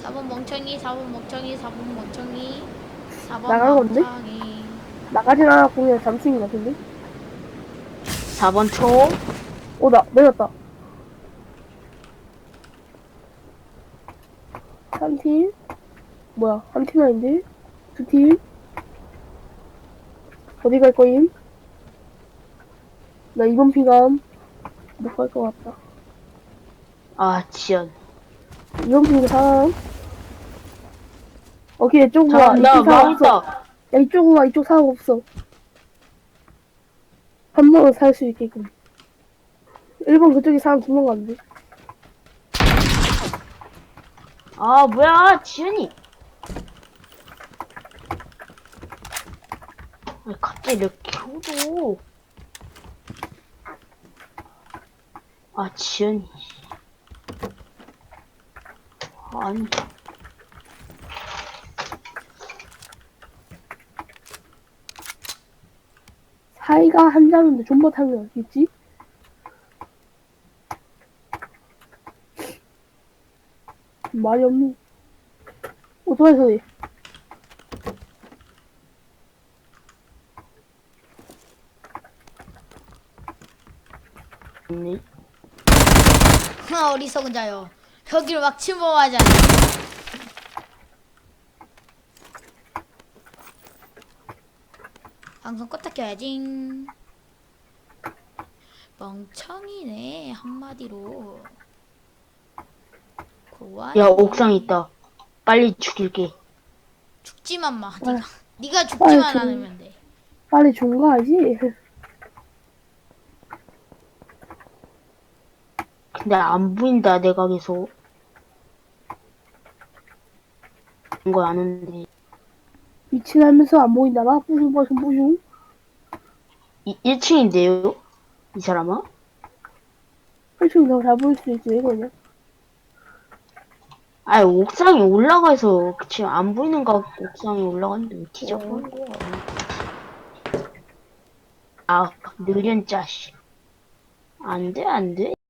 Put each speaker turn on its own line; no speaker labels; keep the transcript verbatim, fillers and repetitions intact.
사 번 멍청이, 사 번 멍청이, 사 번 멍청이, 사 번
나간 건데?
멍청이.
나가진 않았고 그냥 잠수인 것 같은데?
사 번 총.
어, 나 내렸다. 한 팀? 뭐야, 한 팀 아닌데? 두 팀? 어디 갈 거임? 나 이번 피감 못 갈 것 같다.
아, 지연.
이번 피가 사람? 오케이, 이쪽으로 와.
잘한다.
이쪽 사람 없어.
망했다.
야, 이쪽으로 와. 이쪽 사람 없어. 한 번은 살 수 있게끔. 일 번 그쪽에 사람 두 명 갔는데.
아, 뭐야, 지연이. 왜 갑자기 이렇게 켜줘. 아, 지연이. 아니.
사이가 한 잔인데 존버 타면 어딨지? 말이 없네. 오토바이 소리.
아니.
하, 어리석은 자요. 여기를 막 침범하지 않아. 방송 껐다 켜야지. 멍청이네, 한마디로. 고아이.
야, 옥상 있다. 빨리 죽일게.
죽지만 마,
아,
네가. 네가
빨리
죽지만
좀-
않으면 돼.
빨리 중과하지?
근데 안 보인다, 내가 계속. 이거 아는데.
미친하면서 안 보인다 봐? 뿌슝 뿌슝 뿌슝.
이, 일 층인데요? 이 사람아?
훨씬 더 잘 보일 수 있지, 이거냐?
아, 옥상에 올라가서 지금 안 보이는 거 같고 옥상에 올라갔는데 왜 뒤져보는 거야? 아, 느련 자식. 안 돼, 안 돼.